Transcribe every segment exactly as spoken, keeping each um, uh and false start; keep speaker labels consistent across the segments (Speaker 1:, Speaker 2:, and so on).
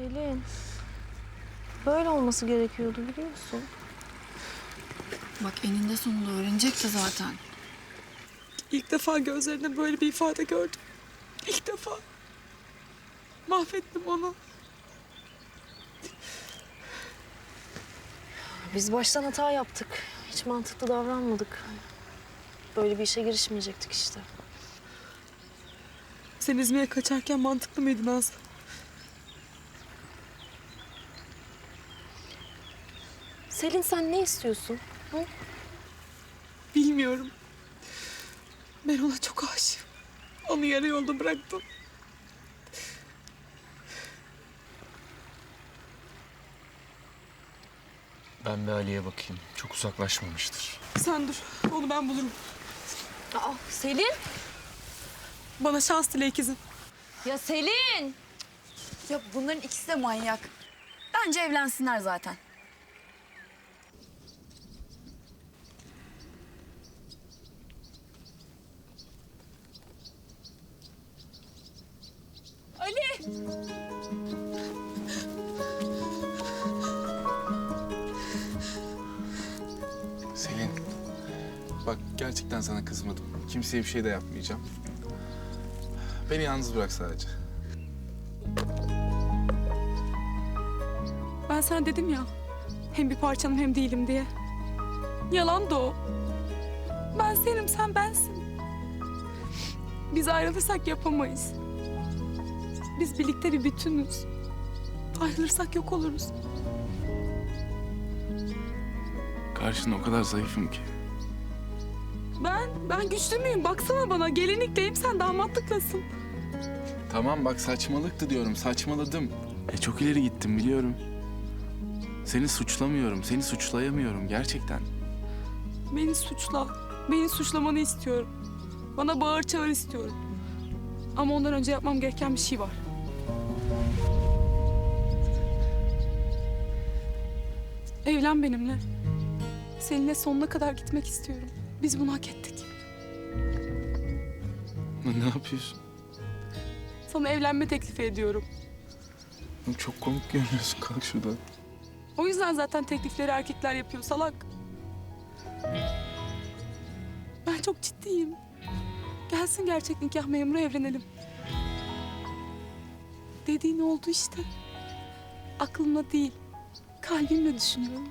Speaker 1: Selin, böyle olması gerekiyordu biliyorsun.
Speaker 2: Bak eninde sonunda öğrenecekti zaten.
Speaker 3: İlk defa gözlerinde böyle bir ifade gördüm. İlk defa. Mahvettim onu.
Speaker 1: Biz baştan hata yaptık. Hiç mantıklı davranmadık. Böyle bir işe girişmeyecektik işte.
Speaker 3: Sen İzmir'e kaçarken mantıklı mıydın Nazlı?
Speaker 1: Selin sen ne istiyorsun? Hı?
Speaker 3: Bilmiyorum. Ben ona çok aşığım. Onu yarı yolda bıraktım.
Speaker 4: Ben bir Ali'ye bakayım. Çok uzaklaşmamıştır.
Speaker 3: Sen dur. Onu ben bulurum.
Speaker 1: Aa, Selin!
Speaker 3: Bana şans dile ikizim.
Speaker 1: Ya Selin!
Speaker 2: Ya bunların ikisi de manyak. Bence evlensinler zaten.
Speaker 5: Selin, bak gerçekten sana kızmadım. Kimseye bir şey de yapmayacağım. Beni yalnız bırak sadece.
Speaker 3: Ben sana dedim ya. Hem bir parçanım hem değilim diye. Yalan da o. Ben senim, sen bensin. Biz ayrılırsak yapamayız. Biz birlikte bir bütünüz. Ayrılırsak yok oluruz.
Speaker 5: Karşında o kadar zayıfım ki.
Speaker 3: Ben, ben güçlü müyüm? Baksana bana. Gelinlikteyim, sen damatlıklasın.
Speaker 5: Tamam bak saçmalıktı diyorum, saçmaladım. E çok ileri gittim biliyorum. Seni suçlamıyorum, seni suçlayamıyorum gerçekten.
Speaker 3: Beni suçla. Beni suçlamanı istiyorum. Bana bağır çağır istiyorum. Ama ondan önce yapmam gereken bir şey var. Evlen benimle. Seninle sonuna kadar gitmek istiyorum. Biz bunu hak ettik.
Speaker 5: Ne yapıyorsun?
Speaker 3: Sana evlenme teklifi ediyorum.
Speaker 5: Çok komik görünüyorsun, kalk şuradan.
Speaker 3: O yüzden zaten teklifleri erkekler yapıyor salak. Ben çok ciddiyim. Gelsin gerçek nikah memuru, evlenelim. Dediğin oldu işte. Aklımla değil, kalbimle düşünüyorum.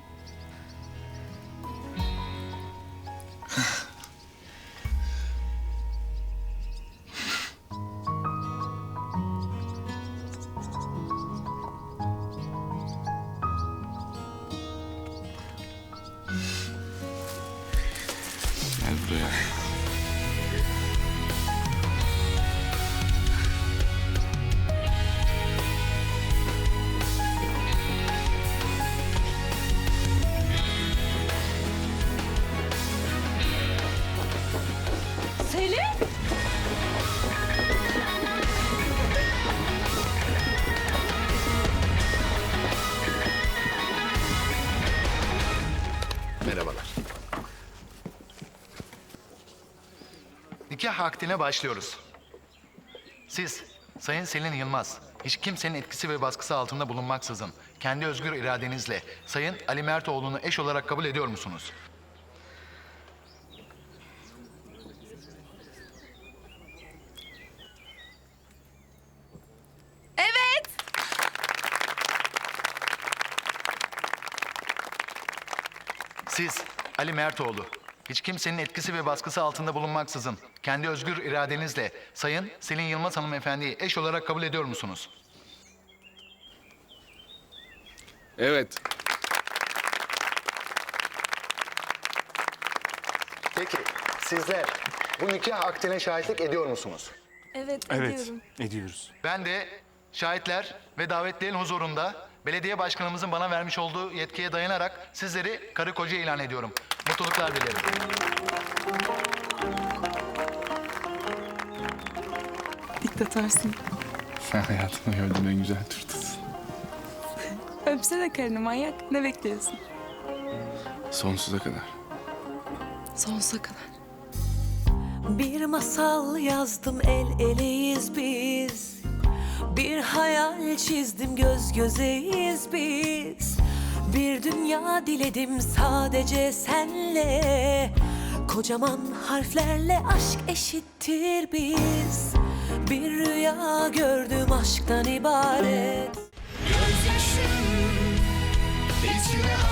Speaker 5: Gel buraya.
Speaker 1: Selin!
Speaker 6: Merhabalar. Nikah akdine başlıyoruz. Siz, Sayın Selin Yılmaz, hiç kimsenin etkisi ve baskısı altında bulunmaksızın, kendi özgür iradenizle Sayın Ali Mertoğlu'nu eş olarak kabul ediyor musunuz?
Speaker 2: Evet.
Speaker 6: Siz, Ali Mertoğlu, hiç kimsenin etkisi ve baskısı altında bulunmaksızın, kendi özgür iradenizle Sayın Selin Yılmaz hanımefendiyi eş olarak kabul ediyor musunuz?
Speaker 5: Evet.
Speaker 6: Peki, sizler bu nikah akdine şahitlik ediyor musunuz?
Speaker 1: Evet,
Speaker 5: Evet,
Speaker 1: ediyorum.
Speaker 5: ediyoruz.
Speaker 6: Ben de şahitler ve davetlilerin huzurunda belediye başkanımızın bana vermiş olduğu yetkiye dayanarak sizleri karı koca ilan ediyorum. Mutluluklar dilerim.
Speaker 3: Diktatarsın.
Speaker 5: Sen hayatımda gördüğüm en güzel turtasın.
Speaker 3: Öpsene karını manyak. Ne bekliyorsun?
Speaker 5: Sonsuza kadar.
Speaker 3: Sonsuza kadar.
Speaker 7: Bir masal yazdım, el eleyiz biz. Bir hayal çizdim, göz gözeyiz biz. Bir dünya diledim sadece senle. Kocaman harflerle aşk eşittir biz. Bir rüya gördüm aşktan ibaret.
Speaker 8: Gözyaşım içime